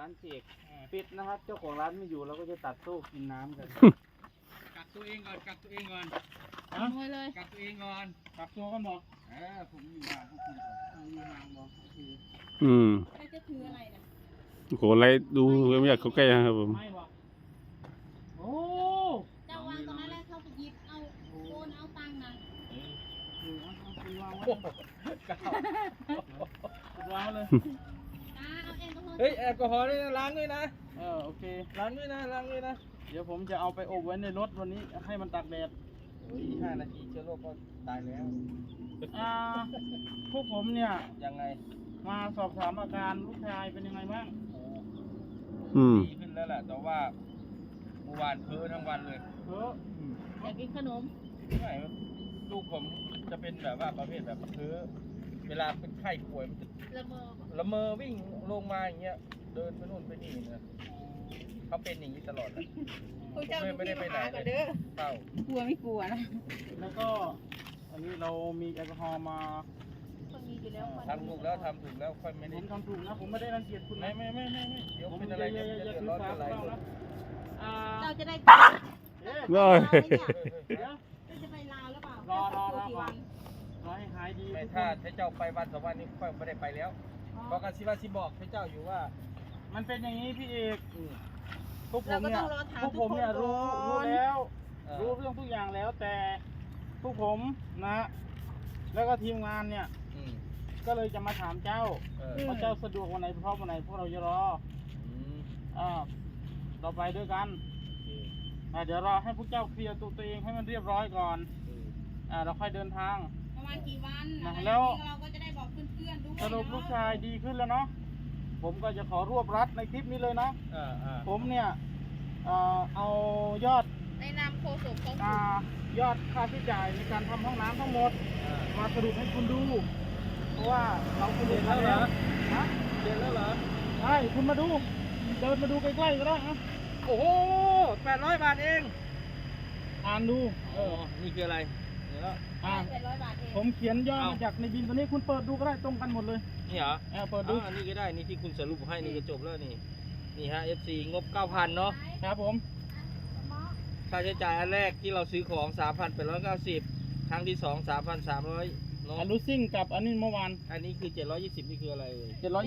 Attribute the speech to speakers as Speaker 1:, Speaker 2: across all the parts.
Speaker 1: ร้านเจกปิดนะครับเจ้าของร้านไม่อยู่เราก็จะตัดโซ่กินน้ำกันกัดตัวเองก่อนกัดตัวเองก่อน
Speaker 2: ขโมยเลย
Speaker 1: กัดตัวเองก่อนกัดตัวกันบอกผมอยู่ห่างพวกคุณก่อนอยู่ห่างบอกโอเค
Speaker 2: ใครจะถืออะไรนะ
Speaker 3: โหอะไรดูไม่อยากเข้าใกล้นะครับผม
Speaker 1: ไม่บอกโอ้
Speaker 2: เจ้าวางตรงนั้นแล้วเขาไปหยิบเอาโอนเอาตังค์นะ
Speaker 1: คุณวางไว้คุณวางเลย
Speaker 2: เอาแอลกอฮอล์
Speaker 1: เฮ้ยแอลกอฮอล์นี่ล้างด้วยนะโอเคล้างด้วยนะล้างด้วยนะเดี๋ยวผมจะเอาไปอบไว้ในรถวันนี้ให้มันตากแดด5 นาทีเชื้อโรคก็ตายแล้วพวกผมเนี่ยยังไงมาสอบถามอาการลูกชายเป็นยังไงบ้างดีขึ้นแล้วแหละแต่ว่าเมื่อวานเพ้อทั้งวันเลย
Speaker 2: อยากกินขนม
Speaker 1: ไม่ลูกผมจะเป็นแบบว่าประเภทแบบเพ้อเวลาเป็นไข้ป่วยมันจะละเมอวิ่งลงมาอย่างเงี้ยเดินไปนู่นไปนี่นะเขาเป็นอย่างนี้ตลอดเลยไม่ได้ไปไหนเลยเต้าก
Speaker 2: ลัวไม่กลัวนะ
Speaker 1: แล้วก็อันนี้เรามีแอลกอฮอล์มาทำถูกแล้วทำถูกแล้วค่อยไม่ได้ผมทำถูกนะผมไม่ได้รังเกียจคุณไม่เดี๋ยวเป็นอะไรจะเดือดร้อนอะไร
Speaker 2: เราจะได้จะไปลาวหรือเปล่าร
Speaker 1: อให้หายดีไม่ถ้าเจ้าไปวัน2 วันนี้ค่อยไม่ได้ไปแล้วเพราะการสิบอกเจ้าอยู่ว่ามันเป็นอย่างนี้พี่เอกพวกผมเนี่ยรู้แล้วรู้เรื่องทุกอย่างแล้วแต่พวกผมนะแล้วก็ทีมงานเนี่ยก็เลยจะมาถามเจ้าว่าเจ้าสะดวกวันไหนพร้อมวันไหนพวกเราจะรอเราไปด้วยกันเดี๋ยวรอให้พวกเจ้าเคลียร์ตัวเองให้มันเรียบร้อยก่อนเราค่อยเดินทาง
Speaker 2: ประมาณกี่วัน
Speaker 1: แล้ว
Speaker 2: เราก็จะได้บอกเพื่อนๆด้วย
Speaker 1: สรุปลูกชายดีขึ้นแล้วเนาะผมก็จะขอรวบรัดในคลิปนี้เลยเนาะผมเนี่ยเอายอด
Speaker 2: ในนามโฆษกของ
Speaker 1: ยอดค่าใช้จ่ายในการทำห้องน้ำทั้งหมดมาสรุปให้คุณดูเพราะว่าเราเรียนแล้วเหรอเรียนแล้วเหรอใช่คุณมาดูเดินมาดูใกล้ๆก็ได้ครับโอ้โห800 บาทเองอ่านดูนี่คืออะไร
Speaker 2: 800 บาทเอง
Speaker 1: ผมเขียนย่อมาจากในบินตัวนี้คุณเปิดดูก็ได้ตรงกันหมดเลยนี่เหรอเปิดดูอันนี้ก็ได้นี่ที่คุณสรุปให้นี่ก็จบแล้วนี่ฮะ FC งบ 9,000 เนาะครับผมค่าใช้จ่ายอันแรกที่เราซื้อของ 3,890 ครั้งที่ 2 3,300อันรูซิ่งกับอันนี้เมื่อวานอันนี้คือ720นี่คืออะไรเลย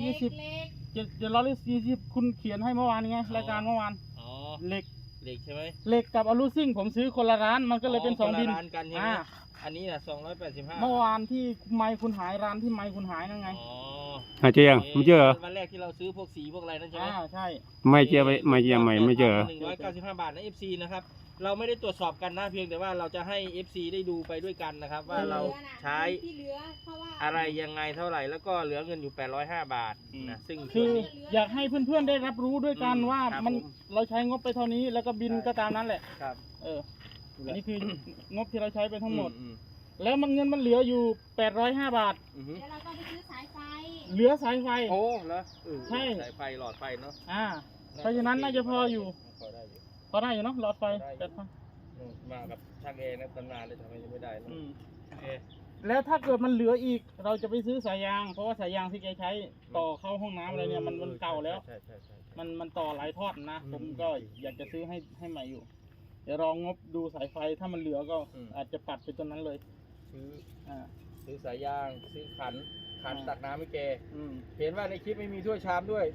Speaker 1: 720คุณเขียนให้เมื่อวานไงรายการเมื่อวานเหล็กใช่ไหมเหล็กกับอลูซิ่งผมซื้อคนละร้านมันก็เลยเป็น2 บินกันใช่ไหมอันนี้น่ะ285เมื่อวานที่ไมค์คุณหายร้านที่ไมค์คุณหายนั่นไง
Speaker 3: หายเจอยังไม่เจอ
Speaker 1: วันแรกที่เราซื้อพวกสีพวกอะไรนั่นใช่ไหมใช่
Speaker 3: ไม่เจอไม่เจอไม่เจอ
Speaker 1: 195 บาทนะ FC นะครับเราไม่ได้ตรวจสอบกันนะเพียงแต่ว่าเราจะให้ FC ได้ดูไปด้วยกันนะครับว่าเราใช้อะไรยังไงเท่าไหร่แล้วก็เหลือเงินอยู่805 บาทนะซึ่งคืออยากให้เพื่อนๆได้รับรู้ด้วยกันว่ามันเราใช้งบไปเท่านี้แล้วก็บินก็ตามนั้นแหละครับอันนี้คืองบที่เราใช้ไปทั้งหมดแล้วเงินมันเหลืออยู่805 บาท
Speaker 2: แล้วเราก็ไปซื้อสายไฟ
Speaker 1: เหลือสายไฟโอ้แล้วใช่สายไฟหลอดไฟเนาะเพราะฉะนั้นน่าจะพออยู่พอได้อยู่เนาะหลอดไฟมากับช่างเอนะตำนานเลยทำไมยังไม่ได้แล้วถ้าเกิดมันเหลืออีกเราจะไปซื้อสายยางเพราะว่าสายยางที่แกใช้ต่อเข้าห้องน้ำอะไรเนี่ยมันเก่าแล้วมันต่อหลายทอดนะผมก็อยากจะซื้อให้ใหม่อยู่เดี๋ยวลองงบดูสายไฟถ้ามันเหลือก็อาจจะปัดไปตัวนั้นเลยซื้อสายยางซื้อขันตักน้ำให้แกเห็นว่าในคลิปไม่มีถ้วยชามด้วย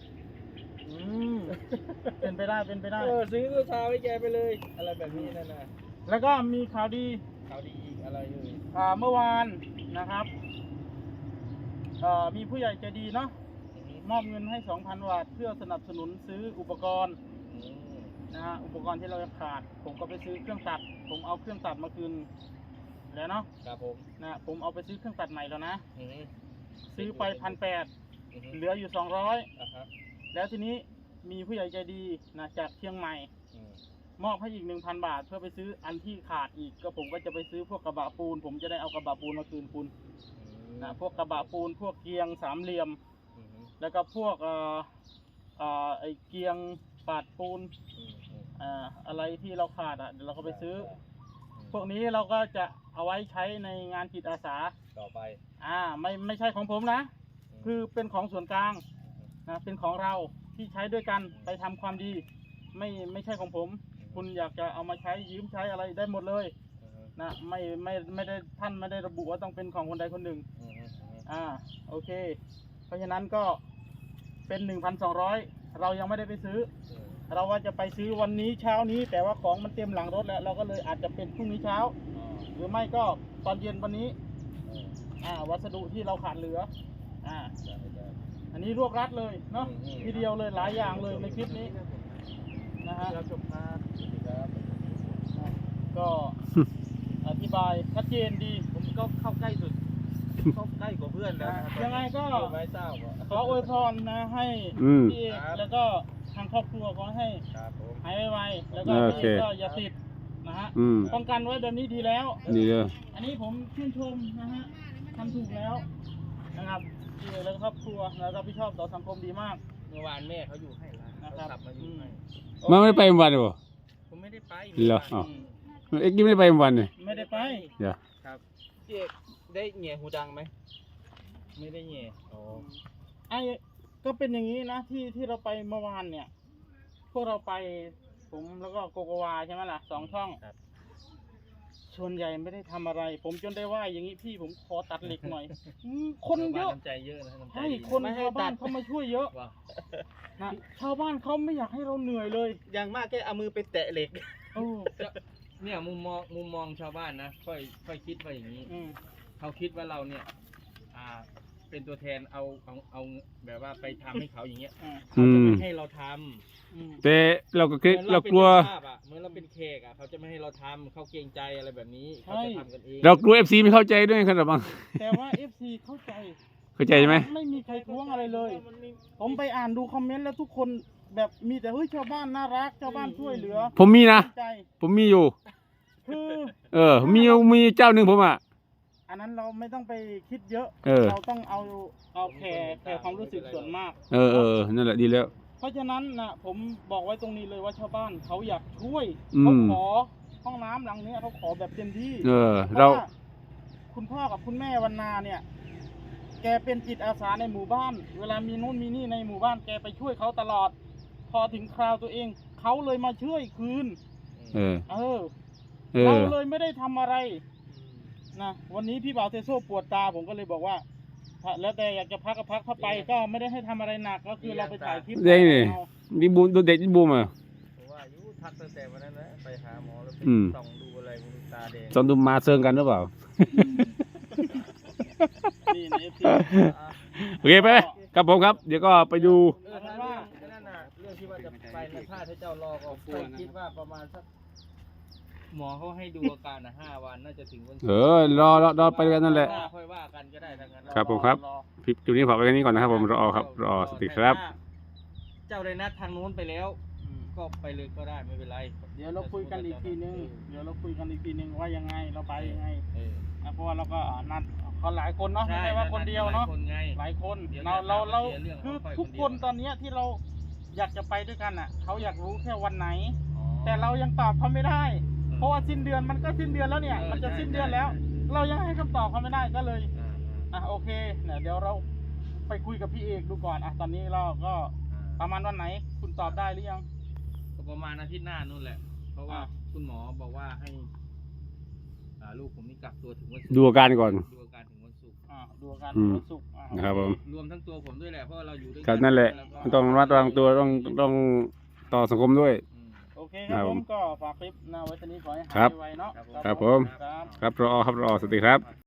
Speaker 1: เป็นไปได้ซื้อถ้วยชามให้แกไปเลยอะไรแบบนี้นั่นนะแล้วก็มีข่าวดีอีกอะไรอยู่เมื่อวานนะครับมีผู้ใหญ่ใจดีเนาะมอบเงินให้ 2,000 บาทเพื่อสนับสนุนซื้ออุปกรณ์นะฮะอุปกรณ์ที่เราขาดผมก็ไปซื้อเครื่องตัดผมเอาเครื่องตัดมาคืนแล้วเนาะครับผมนะผมเอาไปซื้อเครื่องตัดใหม่แล้วนะซื้อไป1,800เหลืออยู่200แล้วทีนี้มีผู้ใหญ่ใจดีนะจากเชียงใหม่มอบให้อีก 1,000 บาทเพื่อไปซื้ออันที่ขาดอีกก็ผมก็จะไปซื้อพวกกระบะปูนผมจะได้เอากระบะปูนมาคืนคุณนะพวกกระบะปูนพวกเกียงสามเหลี่ยมแล้วก็พวกไอเกียงปาดปูนอะไรที่เราขาดเดี๋ยวเราก็ไปซื้อพวกนี้เราก็จะเอาไว้ใช้ในงานจิตอาสาต่อไปไม่ใช่ของผมนะคือเป็นของส่วนกลางนะเป็นของเราที่ที่ใช้ด้วยกันไปทำความดี ไม่ใช่ของผม คุณอยากจะเอามาใช้ยืมใช้อะไรได้หมดเลยนะไม่ได้ท่านไม่ได้ระบุว่าต้องเป็นของคนใดคนหนึ่งโอเค เพราะฉะนั้นก็เป็น 1,200 เรายังไม่ได้ไปซื้อ เราว่าจะไปซื้อวันนี้เช้านี้ แต่ว่าของมันเต็มหลังรถแล้วเราก็เลยอาจจะเป็นพรุ่งนี้เช้า หรือไม่ก็ตอนเย็นวันนี้วัสดุที่เราขาดเหลืออันนี้รวบรัดเลยเนาะทีเดียวเลยหลายอย่างเลยในคลิปนี้นะฮะก็อธิบายชัดเจนดี
Speaker 4: ผมก็เข้าใกล้สุดเข้าใกล้กว่าเพื่อนแล้ว
Speaker 1: ยังไงก็
Speaker 4: ไม่ทราบ
Speaker 1: ขออวยพรนะให้พี่เอกแล้วก็ทางครอบครัวขอให้หายไวๆแล้วก็พี่เอกก็อย่าติดนะฮะป้องกันไว้แบบนี้ดีแล้ว
Speaker 3: ดีเลย
Speaker 1: อันนี้ผมชื่นชมนะฮะทำถูกแล้วนะครับพี่เอกแล้วก็ครอบครัวแล้วรับผิดชอบต่อสังคมดีมาก
Speaker 4: เมื่อวานแม่เขาอยู่ให้ร้าน
Speaker 1: นะครับ
Speaker 4: ขับมาอยู่ให้
Speaker 3: มันไม่ไปวันเหรอ
Speaker 4: ผมไม่ได้ไป
Speaker 3: เหรออ้าว เอ็กซ์ไม่ได้ไปวันเลย
Speaker 1: ไม่ได้ไป
Speaker 3: เดี๋ยว
Speaker 4: ครับพี่เอกได้แง่หูดังไหมไม่ได้แง่อ๋อ
Speaker 1: ไอ้ก็เป็นอย่างนี้นะที่เราไปเมื่อวานเนี่ย พวกเราไปผมแล้วก็โกโกวาใช่ไหมล่ะ2 ช่องส่วนใหญ่ไม่ได้ทำอะไร ผมจนได้ว่าอย่างนี้พี่ผมขอตัดเหล็กหน่อยคนเยอะ
Speaker 4: น้ำใจเยอะนะน้ำใจ
Speaker 1: ใช่
Speaker 4: ดี
Speaker 1: คนชาวบ้านเขามาช่วยเยอะ
Speaker 4: ว่า
Speaker 1: นะชาวบ้านเขาไม่อยากให้เราเหนื่อยเลย
Speaker 4: อย่างมากแค่เอามือไปแตะเหล็ก
Speaker 1: โอ้
Speaker 4: เนี่ยมุมมองชาวบ้านนะค่อยคิดว่าอย่างนี้ เขาคิดว่าเราเนี่ยเป็นตัวแทนเอาแบบว่าไปทำให้เขาอย่างเงี้ยเขาจะไม่ให้เราทำ
Speaker 3: แต่เราก็คิดเรากลัว
Speaker 4: เหมือนเราเป็นแขกเขาจะไม่ให้เราทำเขาเกรงใจอะไรแบบนี้เขาจะทำกันเอง
Speaker 3: เรากลัว FC ไม่เข้าใจด้วยครับบาง
Speaker 1: แต่ว่า FC เข้าใจ
Speaker 3: เข้าใจใช่ไหม
Speaker 1: ไม่มีใครท้วงอะไรเลย ผมไปอ่านดูคอมเมนต์แล้วทุกคนแบบมีแต่เฮ้ยชาวบ้านน่ารักชาวบ้านช่วยเหลือ
Speaker 3: ผมมีนะ
Speaker 1: ใจ
Speaker 3: ผมมีอยู่
Speaker 1: คือ
Speaker 3: มีเจ้าหนึ่งผมอ่ะ
Speaker 1: อันนั้นเราไม่ต้องไปคิดเยอะ เราต้องเอาแค่ความรู้สึกส่วนมาก
Speaker 3: นั่นแหละดีแล้ว
Speaker 1: เพราะฉะนั้นนะผมบอกไว้ตรงนี้เลยว่าชาวบ้านเขาอยากช่วย
Speaker 3: อืม
Speaker 1: เขาขอห้องน้ำหลังนี้เขาขอแบบเต็มที่
Speaker 3: เรา
Speaker 1: พะว่คุณพ่อกับคุณแม่วันนาเนี่ย แกเป็นจิตอาสาในหมู่บ้าน เวลามีนู่นมีนี่ในหมู่บ้านแกไปช่วยเขาตลอด พอถึงคราวตัวเองเขาเลยมาช่วยคืน เราเลยไม่ได้ทำอะไรนะวันนี้พี่บ่าวเทโซ่ปวดตาผมก็เลยบอกว่าแล้วแต่อยากจะพักก็พักเข้าไปก็ไม่ได้ให้ทำอะไรหนักก็คือเราไปถ่ายคลิป
Speaker 3: ได้นี่มีบูมดูเด็กบูมอ่ะ
Speaker 4: ผมว่ายุทักตั้งแต่วันนั้นนะไปหาหมอแล้วไป
Speaker 3: อืม
Speaker 4: ส่องดูอะไรมึงตาแดง
Speaker 3: ตอนดูมาเซิงกันหรือเปล่า
Speaker 1: นี่ใน FC
Speaker 3: โอเคไปครับผมครับ เดี๋ยวก็ไปดู
Speaker 4: ถ้าว่านั่นน่ะเรื่องที่ว่าจะไปในท่าที่เจ้ารอก็คิดว่าประมาณสักหมอเขาให้ดูอาการ5 วันน่าจะถึงวันศุกร์
Speaker 3: รอไปกันนั่นแหละ
Speaker 4: ค่อยว่ากันก็ได้ทั้งนั้น
Speaker 3: ครับผมครับ คลิปนี้ฝากไว้แค่นี้ก่อนนะครับผมรอครับรอสวัสดีครับ
Speaker 4: เจ้าได้นัดทางนู้นไปแล้ว ก็ไปเลยก็ได้ไม่เป็นไร
Speaker 1: เดี๋ยวเราคุยกันอีกทีนึงว่ายังไงเราไปยังไง
Speaker 4: เออ
Speaker 1: นะเพราะว่าเราก็นัดเขาหลายคนเนาะไม่ใช่ว่าคนเดียวเนาะ
Speaker 4: หลายคนไง
Speaker 1: หลายคน
Speaker 4: เดี๋ยว
Speaker 1: เรา
Speaker 4: เดี๋ยวเรื่อง
Speaker 1: คือ
Speaker 4: ค่อยๆ
Speaker 1: ทุก
Speaker 4: คนเดี
Speaker 1: ค
Speaker 4: ยว
Speaker 1: นตอนเนี้ยที่เราอยากจะไปด้วยกันอ่ะเขาอยากรู้แค่วันไหน
Speaker 4: อ๋อ
Speaker 1: แต่เรายังตอบเขาไม่ได้ เพราะว่าสิ้นเดือนมันก็สิ้นเดือนแล้วเนี่ย
Speaker 4: เออ
Speaker 1: มันจะ
Speaker 4: ใช่
Speaker 1: สิ้นเดือนแล้ว เรายังให้คำตอบเขาไม่ได้ก็เลย
Speaker 4: อ่า
Speaker 1: โอเคเนี่ยเดี๋ยวเราไปคุยกับพี่เอกดูก่อนตอนนี้เราก็
Speaker 4: ๆ
Speaker 1: ประมาณวันไหน คุณตอบได้หรือยัง
Speaker 4: ก็ประมาณอาทิตย์หน้านู่นแหละ เพราะว่าคุณหมอบอกว่าให้ลูกผมนี่กักตัวถึงวันศุกร์
Speaker 3: ดูอาการก่อน
Speaker 4: ดูอาการถึงวันศุกร์
Speaker 1: ดูอาการ
Speaker 3: อืม
Speaker 1: วันศุกร์
Speaker 3: นะครับผม
Speaker 4: รวมทั้งตัวผมด้วยแหละเพราะว่าเราอยู่ด้วยกั
Speaker 3: ครับนั่นแหละ
Speaker 4: วก็
Speaker 3: ต้องระมัดระวังตัวต้องต่อสังคมด้วย
Speaker 4: อืม
Speaker 1: โอเคครับ
Speaker 3: ครับ
Speaker 1: ผ
Speaker 3: ผม
Speaker 1: มก็ฝากคลิปนะไว้ทีนี้ขอให้
Speaker 3: ครั
Speaker 1: หาย
Speaker 3: บ
Speaker 1: ไวๆเนาะ
Speaker 3: ครับผม
Speaker 1: ครับ
Speaker 3: ครับรอสวัสดีครับ